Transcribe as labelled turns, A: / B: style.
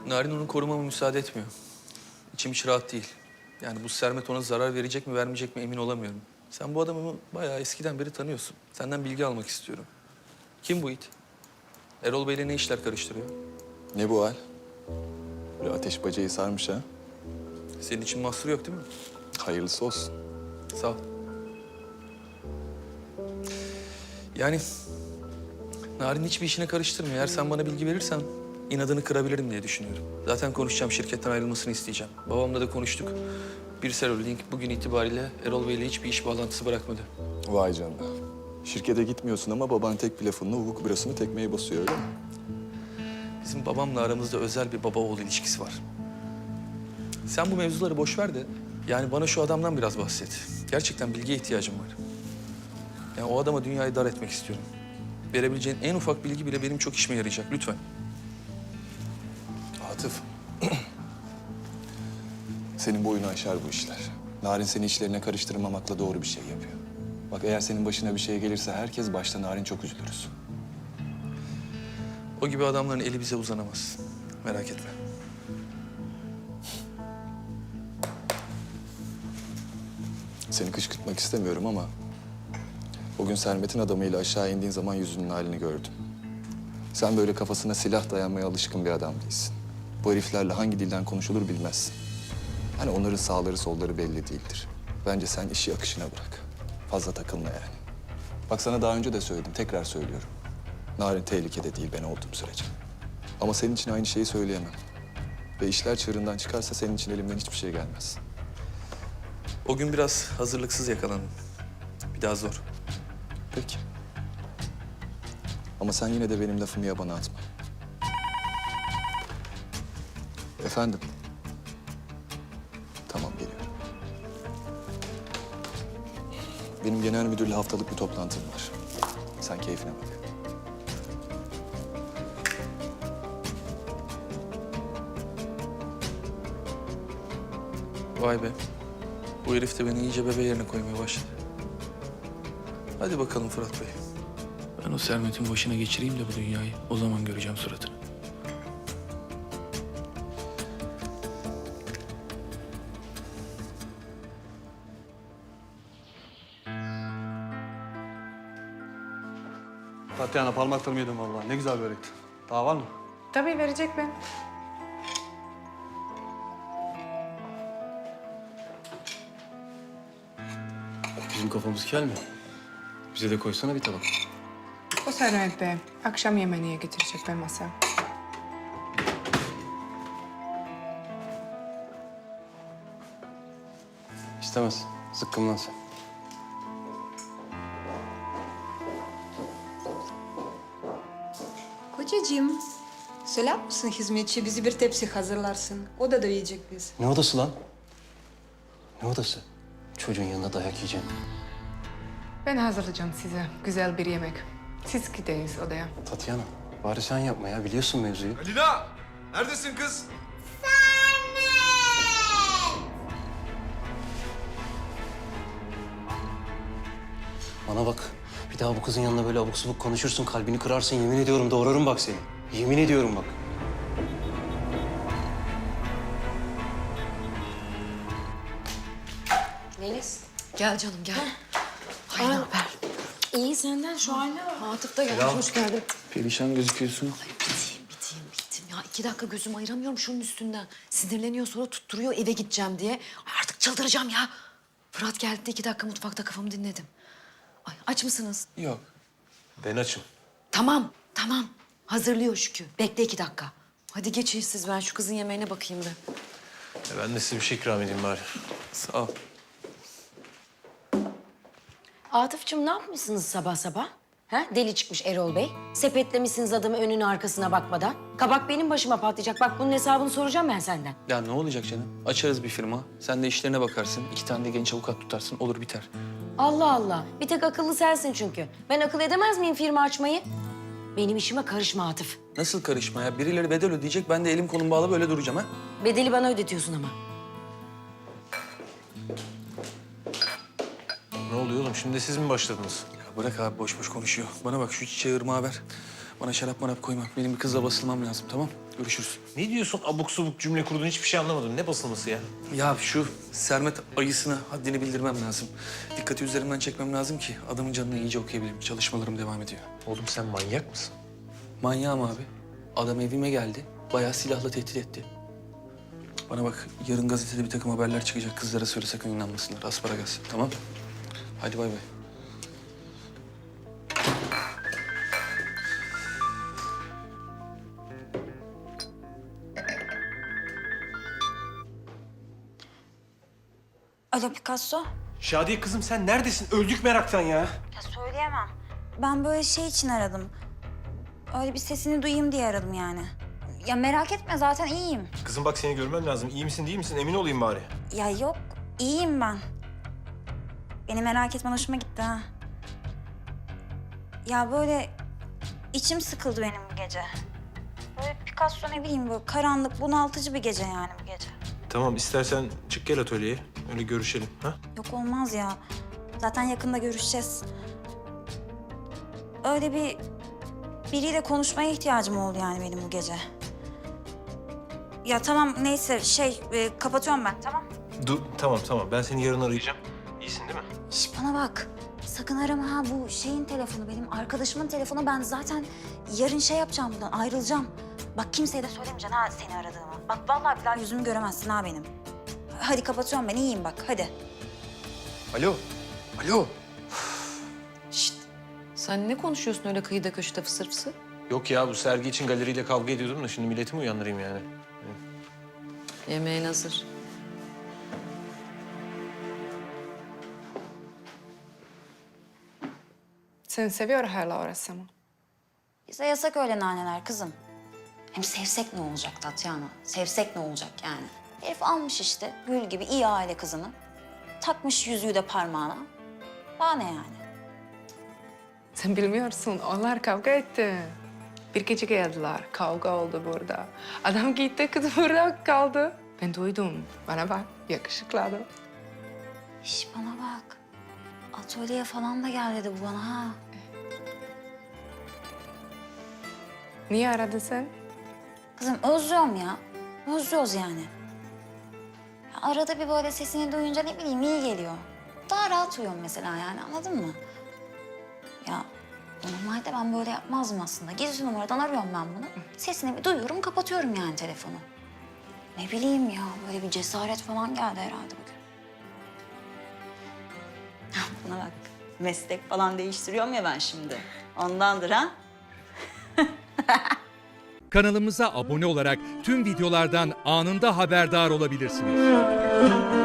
A: Narin onu korumama müsaade etmiyor. İçim hiç rahat değil. Yani bu Sermet ona zarar verecek mi vermeyecek mi emin olamıyorum. Sen bu adamı bayağı eskiden beri tanıyorsun. Senden bilgi almak istiyorum. Kim bu it? Erol Bey'le ne işler karıştırıyor?
B: Ne bu hal? Böyle ateş bacayı sarmış ha.
A: Senin için mahsur yok değil mi?
B: Hayırlısı olsun.
A: Sağ ol. Yani Narin hiçbir işine karıştırmıyor. Eğer sen bana bilgi verirsen inadını kırabilirim diye düşünüyorum. Zaten konuşacağım, şirketten ayrılmasını isteyeceğim. Babamla da konuştuk. Birsel Holding bugün itibariyle Erol Bey'le hiçbir iş bağlantısı bırakmadı.
B: Vay canına. Şirkete gitmiyorsun ama baban tek bir lafınla hukuk bürosunu tekmeye basıyor öyle mi?
A: Bizim babamla aramızda özel bir baba oğul ilişkisi var. Sen bu mevzuları boş ver de yani bana şu adamdan biraz bahset. Gerçekten bilgiye ihtiyacım var. Yani o adama dünyayı dar etmek istiyorum. Verebileceğin en ufak bilgi bile benim çok işime yarayacak. Lütfen.
B: Atıf. Senin boyunu aşar bu işler. Narin seni işlerine karıştırmamakla doğru bir şey yapıyor. Bak eğer senin başına bir şey gelirse herkes başta Narin çok üzülürüz.
A: O gibi adamların eli bize uzanamaz. Merak etme.
B: Seni kışkırtmak istemiyorum ama... ...o gün Sermet'in adamıyla aşağı indiğin zaman yüzünün halini gördüm. Sen böyle kafasına silah dayanmaya alışkın bir adam değilsin. Bu heriflerle hangi dilden konuşulur bilmezsin. Hani onların sağları solları belli değildir. Bence sen işi akışına bırak. Fazla takılma yani. Bak sana daha önce de söyledim, tekrar söylüyorum. Narin tehlikede değil ben olduğum sürece. Ama senin için aynı şeyi söyleyemem. Ve işler çığırından çıkarsa senin için elimden hiçbir şey gelmez.
A: O gün biraz hazırlıksız yakalandım. Bir daha zor.
B: Peki. Ama sen yine de benim lafımı yabana atma. Efendim? Tamam, geliyorum. Benim genel müdürle haftalık bir toplantım var. Sen keyfine bak.
A: Vay be. Bu herif de beni iyice bebe yerine koymaya başladı. Hadi bakalım Fırat Bey. Ben o Sermet'in başına geçireyim de bu dünyayı. O zaman göreceğim suratını.
C: Tatyana parmaklarımı yedim vallahi. Ne güzel börekti. Daha var mı?
D: Tabii verecek ben.
C: Bizim kafamız kel mi? Bize de koysana bir tabak.
D: O Sermet Bey akşam yemeğine getirecek ben masa.
C: İstemez. Zıkkımlan sen.
E: Kocacığım, söyler misin hizmetçi bizi bir tepsi hazırlarsın. Odada yiyecek biz.
C: Ne odası lan? Ne odası? Çocuğun yanında dayak yiyeceğim.
D: Ben hazırlayacağım size güzel bir yemek. Siz gidiniz odaya.
C: Tatyana, bari sen yapma ya. Biliyorsun mevzuyu.
F: Lina! Neredesin kız?
C: Bana bak. Bir daha bu kızın yanında böyle abuk subuk konuşursun. Kalbini kırarsın. Yemin ediyorum doğrarım bak seni. Yemin ediyorum bak.
G: Melis, gel canım gel. Ay ne haber? İyi senden şu haline bak. Atıf da gelmiş, hoş geldin.
A: Perişan gözüküyorsun.
G: Bittim. Ya 2 dakika gözüm ayıramıyorum şunun üstünden. Sinirleniyor sonra tutturuyor eve gideceğim diye. Ay artık çıldıracağım ya. Fırat geldi de 2 dakika mutfakta kafamı dinledim. Ay aç mısınız?
A: Yok.
C: Ben açım.
G: Tamam. Hazırlıyor Şükrü. Bekle 2 dakika. Hadi geçin siz ben şu kızın yemeğine bakayım bir.
C: Ben de size bir şey ikram edeyim bari.
A: Sağ ol.
H: Atıf'cığım ne yapmışsınız sabah sabah? Ha? Deli çıkmış Erol Bey. Sepetlemişsiniz adamı önüne arkasına bakmadan. Kabak benim başıma patlayacak. Bak bunun hesabını soracağım ben senden.
A: Ya ne olacak canım? Açarız bir firma. Sen de işlerine bakarsın. 2 tane de genç avukat tutarsın. Olur biter.
H: Allah Allah. Bir tek akıllı sensin çünkü. Ben akıl edemez miyim firma açmayı? Benim işime karışma Atıf.
A: Nasıl karışma ya? Birileri bedel ödeyecek. Ben de elim kolum bağlı böyle duracağım ha.
H: Bedeli bana ödetiyorsun ama.
I: Ne oluyor oğlum? Şimdi siz mi başladınız?
A: Ya bırak abi boş boş konuşuyor. Bana bak şu çiçeği ırmağa ver. Bana şarap marap koyma. Benim bir kızla basılmam lazım, tamam? Görüşürüz.
I: Ne diyorsun abuk subuk cümle kurdun hiçbir şey anlamadım. Ne basılması ya?
A: Ya şu Sermet ayısına haddini bildirmem lazım. Dikkati üzerimden çekmem lazım ki adamın canını iyice okuyabileyim. Çalışmalarım devam ediyor.
I: Oğlum sen manyak mısın?
A: Manyağım abi. Adam evime geldi. Bayağı silahla tehdit etti. Bana bak, yarın gazetede bir takım haberler çıkacak. Kızlara söyle, sakın inanmasınlar. Asparagas, tamam? Hadi bay bay.
J: Alo Picasso.
I: Şadiye kızım sen neredesin? Öldük meraktan ya.
J: Ya söyleyemem. Ben böyle şey için aradım. Öyle bir sesini duyayım diye aradım yani. Ya merak etme zaten iyiyim.
I: Kızım bak seni görmem lazım. İyi misin değil misin? Emin olayım bari.
J: Ya yok iyiyim ben. Beni merak etmen hoşuma gitti ha. Ya böyle içim sıkıldı benim bu gece. Böyle Picasso ne bileyim böyle karanlık bunaltıcı bir gece yani bu gece.
I: Tamam istersen çık gel atölyeye. Öyle görüşelim. Ha?
J: Yok olmaz ya. Zaten yakında görüşeceğiz. Öyle biriyle konuşmaya ihtiyacım oldu yani benim bu gece. Ya tamam neyse kapatıyorum ben tamam.
I: Dur tamam. Ben seni yarın arayacağım. İyisin değil mi?
J: Şş, bana bak. Sakın arama ha bu şeyin telefonu benim arkadaşımın telefonu. Ben zaten yarın şey yapacağım buradan ayrılacağım. Bak kimseye de söylemeyeceksin ha seni aradığımı. Bak vallahi billahi yüzümü göremezsin ha benim. Hadi kapatıyorum ben iyiyim bak hadi.
A: Alo, alo.
G: Şşt. Sen ne konuşuyorsun öyle kıyıda köşede fısır fısır?
I: Yok ya bu sergi için galeriyle kavga ediyordum da şimdi milleti mi uyandırayım yani?
G: Yemeğin hazır.
D: Sen seviyor hala orası mı?
J: Bize yasak öyle naneler kızım. Hem sevsek ne olacak Tatyana? Sevsek ne olacak yani? Herif almış işte gül gibi iyi aile kızını. Takmış yüzüğü de parmağına. Daha ne yani?
D: Sen bilmiyorsun, onlar kavga etti. Bir gece geldiler, kavga oldu burada. Adam gitti, kız burada kaldı. Ben duydum. Bana bak, yakışıklı adam.
J: Şş bana bak. Atölyeye falan da gel dedi bu bana ha.
D: Niye aradın sen?
J: Kızım özlüyorum ya. Özlüyoruz yani. Ya arada bir böyle sesini duyunca ne bileyim iyi geliyor. Daha rahat uyuyorum mesela yani anladın mı? Ya normalde ben böyle yapmazdım aslında. Gizli numaradan arıyorum ben bunu. Sesini bir duyuyorum kapatıyorum yani telefonu. Ne bileyim ya böyle bir cesaret falan geldi herhalde bugün. Buna bak meslek falan değiştiriyorum ya ben şimdi. Ondandır ha.
K: Kanalımıza abone olarak tüm videolardan anında haberdar olabilirsiniz.